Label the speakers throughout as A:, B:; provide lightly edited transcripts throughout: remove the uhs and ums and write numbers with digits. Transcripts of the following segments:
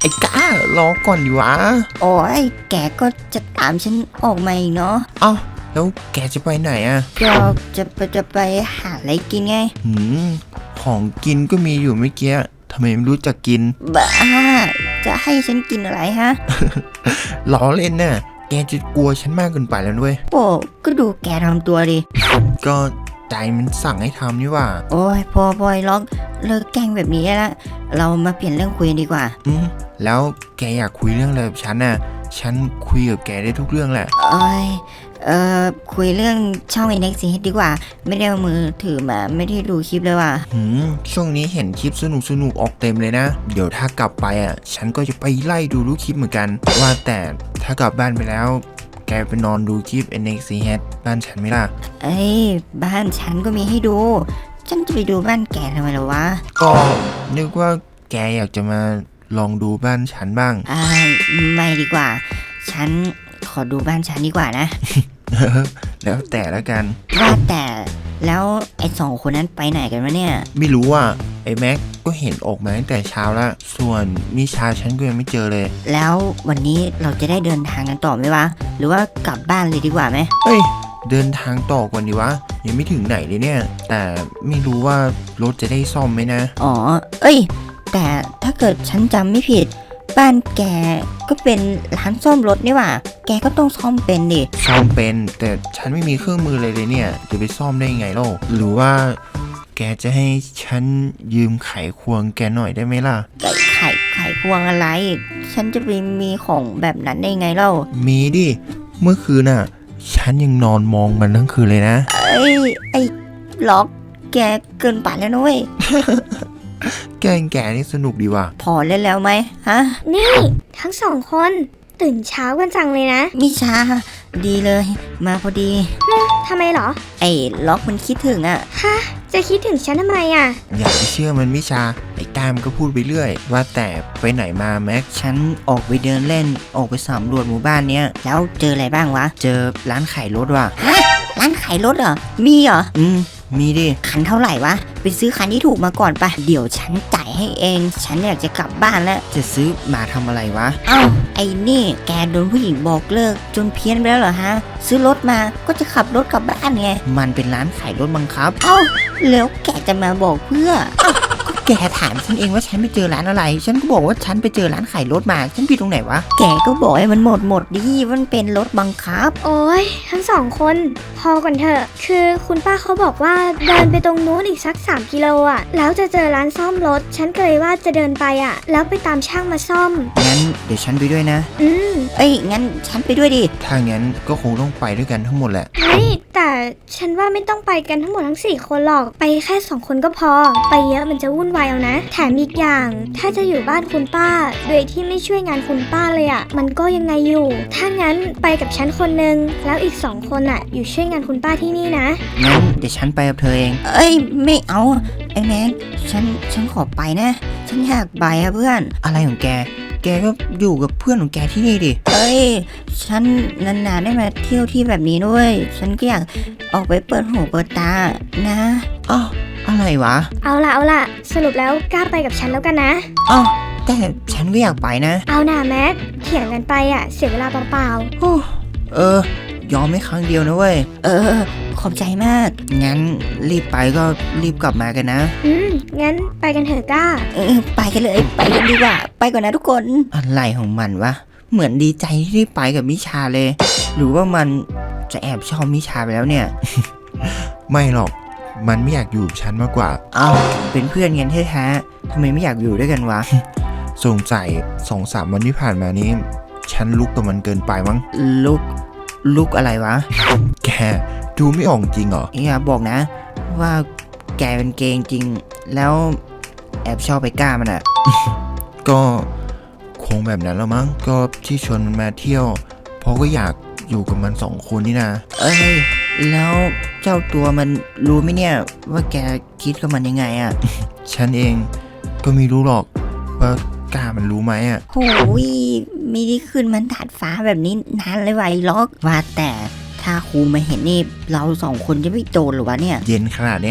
A: อ้ก้ารอก่อนดิวะ
B: โอ้ยแกก็จะตามฉันออกมาอีกเนาะ
A: เอ้าแล้วแกจะไปไหนอ่ะ
B: ก็จะไปหาอะไรกินไง
A: ของกินก็มีอยู่เมื่อกี้ทำไมไม่รู้จักกิน
B: บ้าจะให้ฉันกินอะไรฮะ
A: ล้อเล่นน่ะแกจะกลัวฉันมากเกินไปแล้วด้วย
B: โอ้ก็ดูแกทำตัวดิ
A: ก็ใจมันสั่งให้ทำนี่ว่า
B: โอ้ยพอปล่อยล็อกเลิกแกล้งแบบนี้แล้วเรามาเปลี่ยนเรื่องคุยดีกว่า
A: แล้วแกอยากคุยเรื่องอะไรกับฉันน่ะฉันคุยกับแกได้ทุกเรื่องแหละ
B: คุยเรื่องช่องNext CHดีกว่าไม่ได้เอามือถือมาไม่ได้ดูคลิปเลยว่ะ
A: ช่วงนี้เห็นคลิปสนุกออกเต็มเลยนะเดี๋ยวถ้ากลับไปอ่ะฉันก็จะไปไล่ดูรูปคลิปเหมือนกันว่าแต่ถ้ากลับบ้านไปแล้วแกไปนอนดูคลิปNext CHบ้านฉันไหมล่ะ
B: บ้านฉันก็มีให้ดูฉันจะไปดูบ้านแกทำไมล่ะวะ
A: ก็นึกว่าแกอยากจะมาลองดูบ้านฉันบ้าง
B: ไม่ดีกว่าฉันขอดูบ้านฉันดีกว่านะ
A: แล้วแต่ละกัน
B: ว่าแต่แล้วไอ้2 คนนั้นไปไหนกันวะเนี่ย
A: ไม่รู้อ่ะไอ้แม็กก็เห็นออกมาตั้งแต่เช้าแล้วส่วนมิชาฉันก็ยังไม่เจอเลย
B: แล้ววันนี้เราจะได้เดินทางกันต่อไหมวะหรือว่ากลับบ้านเลยดีกว่าไหม
A: เฮ้ยเดินทางต่อก่อนดีวะยังไม่ถึงไหนเลยเนี่ยแต่ไม่รู้ว่ารถจะได้ซ่อมไหมนะ
B: แต่ถ้าเกิดฉันจำไม่ผิดบ้านแกก็เป็นร้านซ่อมรถนี่หว่าแกก็ต้องซ่อมเป็นดิ
A: ซ่อมเป็นแต่ฉันไม่มีเครื่องมือเลยเนี่ยจะไปซ่อมได้ยังไงล่ะหรือว่าแกจะให้ฉันยืมไขควงแกหน่อยได้ไหมล่ะ
B: ไขควงอะไรฉันจะไปมีของแบบนั้นได้ไงเล่า
A: มีดิเมื่อคืนน่ะฉันยังนอนมองมันทั้งคืนเลยนะ
B: ไอ้ล็อกแกเกินไปแล้วนุ้ย
A: แกนี่สนุกดีว่ะ
B: พอเล่นแล้วไหมฮะ
C: นี่ทั้ง2 คนตื่นเช้ากันจังเลยนะ
B: มิชาดีเลยมาพอดี
C: ทำไมเหรอ
B: ไอ้ล็อกมันคิดถึง
C: ฮะจะคิดถึงฉันทำไม
A: อย่าไปเชื่อมันมิชาไอ้ตามก็พูดไปเรื่อยว่าแต่ไปไหนมาแม็ก
B: ฉันออกไปเดินเล่นออกไปสำรวจหมู่บ้านเนี้ยแล้วเจออะไรบ้างวะเจอร้านขายรถว่ะร้านขายรถเหรอมีเหรอมีดิคันเท่าไหร่วะไปซื้อคันที่ถูกมาก่อนไปเดี๋ยวฉันจ่ายให้เองฉันอยากจะกลับบ้านแล้ว
A: จะซื้อมาทำอะไรวะ
B: ไอ้นี่แกโดนผู้หญิงบอกเลิกจนเพี้ยนไปแล้วเหรอฮะซื้อรถมาก็จะขับรถกลับบ้านไงมันเป็นร้านขายรถบังคับแล้วแกจะมาบอกเพื่อแกถามฉันเองว่าฉันไปเจอร้านอะไรฉันก็บอกว่าฉันไปเจอร้านขายรถมาฉันผิดตรงไหนวะแกก็บอกให้มันหมดดิมันเป็นรถบังคับ
C: โอ้ยทั้ง2 คนพอก่อนเถอะคือคุณป้าเขาบอกว่าเดินไปตรงนู้นอีกสัก3 กิโลแล้วจะเจอร้านซ่อมรถฉันก็เลยว่าจะเดินไปแล้วไปตามช่างมาซ่อม
A: งั้นเดี๋ยวฉันไปด้วยนะ
B: งั้นฉันไปด้วยดิ
A: ถ้างั้นก็คงต้องไปด้วยกันทั้งหมดแหละ
C: แต่ฉันว่าไม่ต้องไปกันทั้งหมดทั้ง4 คนหรอกไปแค่2 คนก็พอไปเยอะมันจะวุ่นวายเอานะแถมอีกอย่างถ้าจะอยู่บ้านคุณป้าโดยที่ไม่ช่วยงานคุณป้าเลยมันก็ยังไงอยู่ถ้างั้นไปกับฉันคนนึงแล้วอีก2 คนอยู่ช่วยงานคุณป้าที่นี่นะ
B: งั้นเดี๋ยวฉันไปกับเธอเองไม่เอาไอ้แม็กฉันขอไปนะฉันอยากไปเพื่อนอะไรของแกก็อยู่กับเพื่อนของแกที่นี่ดิฉันนานๆได้มาเที่ยวที่แบบนี้ด้วยฉันก็อยากออกไปเปิดหูเปิดตานะอะไรวะ
C: เอาล่ะสรุปแล้วกล้าไปกับฉันแล้วกันนะ
B: แต่ฉันก็อยากไปนะ
C: เอาหน่าแม็กเถียงกันไปเสียเวลาเปล่
B: ายอมไม่ครั้งเดียวนะเว้ยขอบใจมากงั้นรีบไปก็รีบกลับมากันนะ
C: งั้นไปกันเถอะก้า
B: ไปกันเลยไปกันดีกว่าไปก่อนนะทุกคนอะไรของมันวะเหมือนดีใจที่ไปกับมิชาเลยหรือว่ามันจะแอบชอบมิชาไปแล้วเนี่ย
A: ไม่หรอกมันไม่อยากอยู่กับฉันมากกว่า
B: เป็นเพื่อนกันแท้ๆทำไมไม่อยากอยู่ด้วยกันวะ
A: สงสัย2-3 วันที่ผ่านมานี้ฉันลุกกับมันเกินไปมั้ง
B: ลุกอะไรวะ
A: แกดูไม่ออกจริงเหรอ
B: อย่าบอกนะว่าแกเป็นเกย์จริงแล้วแอบชอบไปก้ามัน
A: ก็คงแบบนั้นแล้วมั้งก็ที่ชวนมันมาเที่ยวเพราะก็อยากอยู่กับมัน2 คนนี่นะ
B: แล้วเจ้าตัวมันรู้ไหมเนี่ยว่าแกคิดกับมันยังไง
A: ฉันเองก็ไม่รู้หรอกว่ากล้ามันรู้ไหม
B: โอ้ยไม่ได้ขึ้นมันถาดฟ้าแบบนี้นานเลยไวล็อกว่าแต่ถ้าครูมาเห็นนี่เรา2 คนจะไม่โดนหรือวะเนี่ย
A: เย็นขนาดเนี้ยค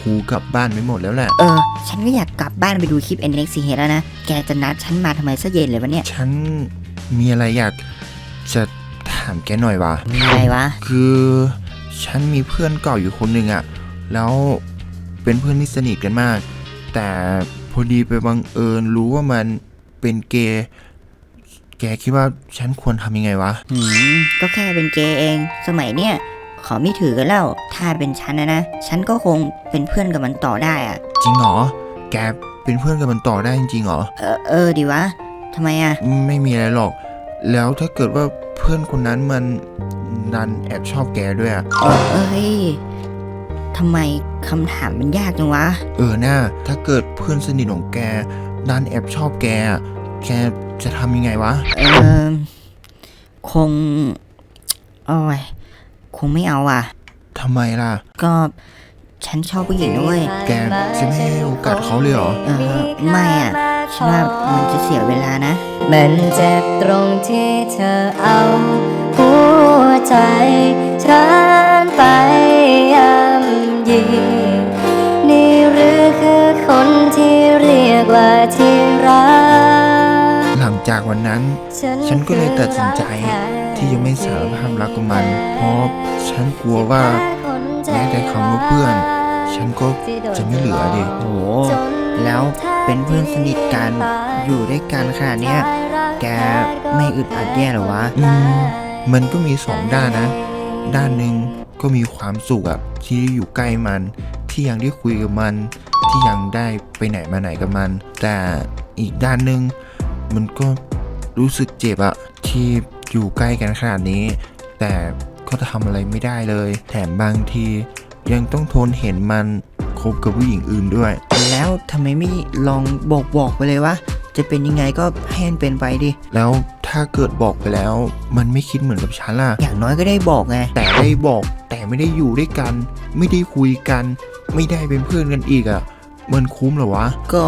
A: หูกลับบ้านไปหมดแล้วแหละ
B: ฉันก็อยากกลับบ้านไปดูคลิป NXT แล้วนะ แกจะนัดฉันมาทำไมซะเย็นเลยวะเนี่ย
A: ฉันมีอะไรอยากจะถามแกหน่อยวะ
B: มีอะไรวะ
A: คือฉันมีเพื่อนเก่าอยู่คนหนึ่งอะแล้วเป็นเพื่อนที่สนิทกันมาก แต่พอดีไปบังเอิญรู้ว่ามันเป็นเกย์แกคิดว่าฉันควรทำยังไงวะ
B: ก็แค่เป็นเกย์เอง สมัยเนี้ยขอไม่ถือกันแล้ว ถ้าเป็นฉันนะ ฉันก็คงเป็นเพื่อนกับมันต่อได้อะ
A: จริงเหรอ แกเป็นเพื่อนกับมันต่อได้จริงๆเหรอ
B: ดีวะทำไมอะ
A: ไม่มีอะไรหรอก แล้วถ้าเกิดว่าเพื่อนคนนั้นมันดันแอบชอบแกด้วยอะ
B: เฮ้ยทำไมคำถามมันยากจังวะ
A: น่าถ้าเกิดเพื่อนสนิทของแกดันแอบชอบแกอะแกจะทำยังไงวะ
B: คงโอ้ยคงไม่เอาอ่ะ
A: ทำไมล่ะ
B: ก็ฉันชอบผู้หญิงด้วย
A: แกจะไม่ให้โอกาสเขาเลยเหรอ
B: ไม่อ่ะ ฉันว่ามันจะเสียเวลานะ
D: มันเจ็บตรงที่เธอเอาหัวใจฉันไปย่ำยีนี่หรือคือคนที่เรียกว่าที่รัก
A: หลังจากวันนั้น ฉันก็เลยตัดสินใจที่จะไม่สารภาพรักกับมัน เพราะฉันกลัวว่าแม้แต่คำว่าเพื่อน ฉันก็จะไม่เหลือดิ
B: โอ้แล้วเป็นเพื่อนสนิทกันอยู่ด้วยกันขนาดเนี้ย แกไม่อึดอัดแย่หรอวะ
A: มันก็มีสองด้านนะ ด้านหนึ่งก็มีความสุขอะที่ได้อยู่ใกล้มัน ที่ยังได้คุยกับมัน ที่ยังได้ไปไหนมาไหนกับมัน แต่อีกด้านหนึ่งมันก็รู้สึกเจ็บอะที่อยู่ใกล้กันขนาดนี้ แต่ก็ทำอะไรไม่ได้เลย แถมบางทียังต้องทนเห็นมันคบกับผู้หญิงอื่นด้วย
B: แล้วทำไมไม่ลองบอกไปเลยวะ จะเป็นยังไงก็ให้มันเป็นไปดิ
A: แล้วถ้าเกิดบอกไปแล้ว มันไม่คิดเหมือนกับฉันล่ะ
B: อย่างน้อยก็ได้บอกไง
A: แต่ได้บอกแต่ไม่ได้อยู่ด้วยกัน ไม่ได้คุยกัน ไม่ได้เป็นเพื่อนกันอีกอะมันคุ้มเหรอวะ
B: ก็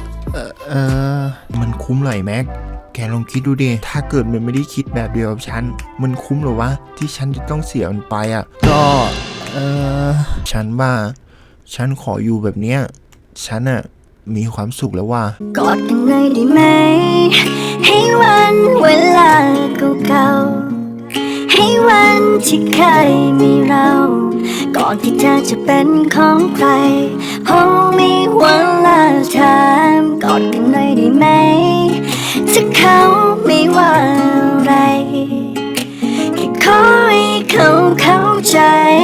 A: มันคุ้มเหรอไอ้แม็ก แกลองคิดดูดิ ถ้าเกิดมันไม่ได้คิดแบบเดียวกับฉัน มันคุ้มเหรอวะ ที่ฉันจะต้องเสียมันไปอะก็ฉันว่า ฉันขออยู่แบบเนี้ย ฉันอะมีความสุขแล้วว่า
D: กอดกันเลยได้ไหม ให้วันเวลาเก่าๆให้วันที่เคยมีเรา ก่อนที่เธอจะเป็นของใครพอมีวันลาถามกอดกันเลยได้ไหม ถ้าเขาไม่ว่าอะไรแค่ขอให้เขาเข้าใจ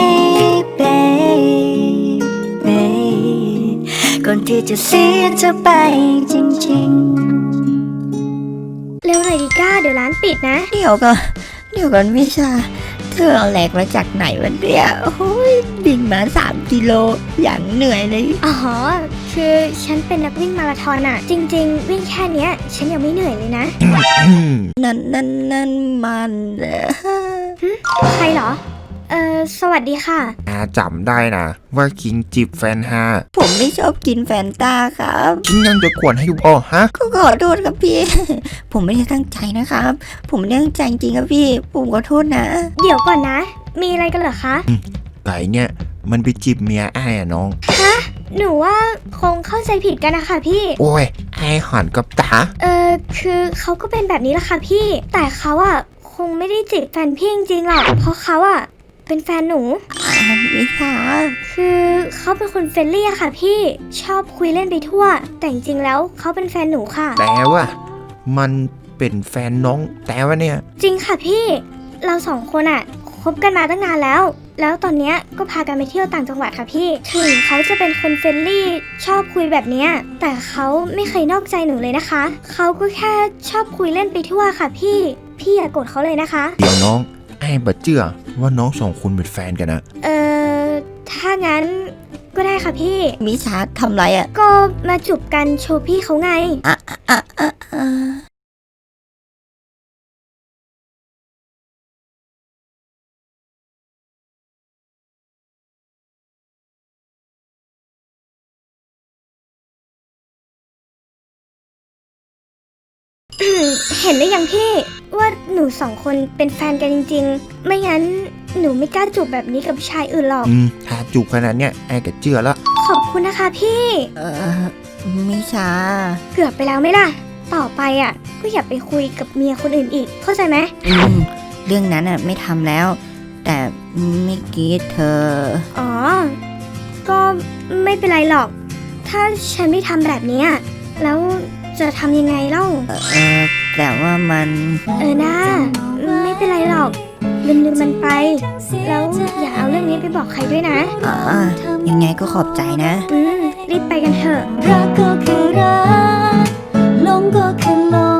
D: baby ก่อนที่จะเสียเธอไปจริงๆ
C: เร็วหน่อยดิก้า เดี๋ยวร้านปิดนะ
B: เดี๋ยวก่อนวิชา เธอเอาแหลกมาจากไหนวะเนี่ยโอ้ยบินมา3 กิโลอย่างเหนื่อยเลย
C: อ๋อ คือฉันเป็นนักวิ่งมาราธอนอะจริงๆ วิ่งแค่เนี้ย ฉันยังไม่เหนื่อยเลยนะ
B: นั่นมัน
C: ใครเหรอ สวัสดีค่ะ
A: จำได้นะว่าคิงจีบแฟนฮา
B: ผมไม่ชอบกินแฟนตาครับ
A: คิงยังจะกวนให้อยู่อ๋อฮะ
B: ก็ขอโทษครับพี่ ผมไม่ได้ตั้งใจนะครับ ผมไม่ได้ตั้งใจจริงๆครับพี่ ผมขอโทษนะ
C: เดี๋ยวก่อนนะ มีอะไรกันเหรอคะ
A: ไก่เนี่ยมันไปจีบเมียอ้ายอะน้อง
C: หนูว่าคงเข้าใจผิดกันนะคะพี่
A: โอ้ยไอ้หันกับตา
C: คือเขาก็เป็นแบบนี้แหละค่ะพี่ แต่เขาอะคงไม่ได้จีบแฟนพี่จริงๆหรอก เพราะเขาอะเป็นแฟนหนู
B: วิชา
C: คือเขาเป็นคนเฟรนลี่อะค่ะพี่ ชอบคุยเล่นไปทั่ว แต่จริงๆแล้วเขาเป็นแฟนหนูค่ะ
A: แต่ว่ามันเป็นแฟนน้องแต่ว่าเนี่ย
C: จริงค่ะพี่ เราสองคนอะคบกันมาตั้งนานแล้ว แล้วตอนเนี้ยก็พากันไปเที่ยวต่างจังหวัดค่ะพี่ ถึงเขาจะเป็นคนเฟรนลี่ชอบคุยแบบเนี้ย แต่เขาไม่เคยนอกใจหนูเลยนะคะ เขาก็แค่ชอบคุยเล่นไปทั่วค่ะพี่ พี่อย่าโกรธเขาเลยนะคะ
A: เดี๋ยวน้องไอ้บัดเจือว่าน้องสองคนเป็นแฟนกันนะ
C: ถ้างั้นก็ได้ค่ะพี่
B: มิชาทำไรอ่ะ
C: ก็มาจูบกันโชว์พี่เขาไง เห็นได้ยังพี่ว่าหนูสองคนเป็นแฟนกันจริงๆ ไม่งั้นหนูไม่กล้าจูบแบบนี้กับชายอื่นหรอก
A: ถ้าจูบขนาดเนี้ยไอ้ก็เชื่อละ
C: ขอบคุณนะคะพี่
B: มิชา
C: เกือบไปแล้วไหมล่ะ ต่อไปอ่ะก็อย่าไปคุยกับเมียคนอื่นอีก เข้าใจไหม
B: เรื่องนั้นไม่ทำแล้ว แต่เมื่อกี้เธอ
C: อ๋อ ก็ไม่เป็นไรหรอก ถ้าฉันไม่ทำแบบเนี้ยแล้วจะทำยังไงเล่า
B: แต่ว่ามัน
C: นะไม่เป็นไรหรอก ลืมมันไป แล้วอย่าเอาเรื่องนี้ไปบอกใครด้วยนะ
B: ยังไงก็ขอบใจนะ
C: รีบไปกันเถอะ
D: รักก็คือรักหลงก็คือหลง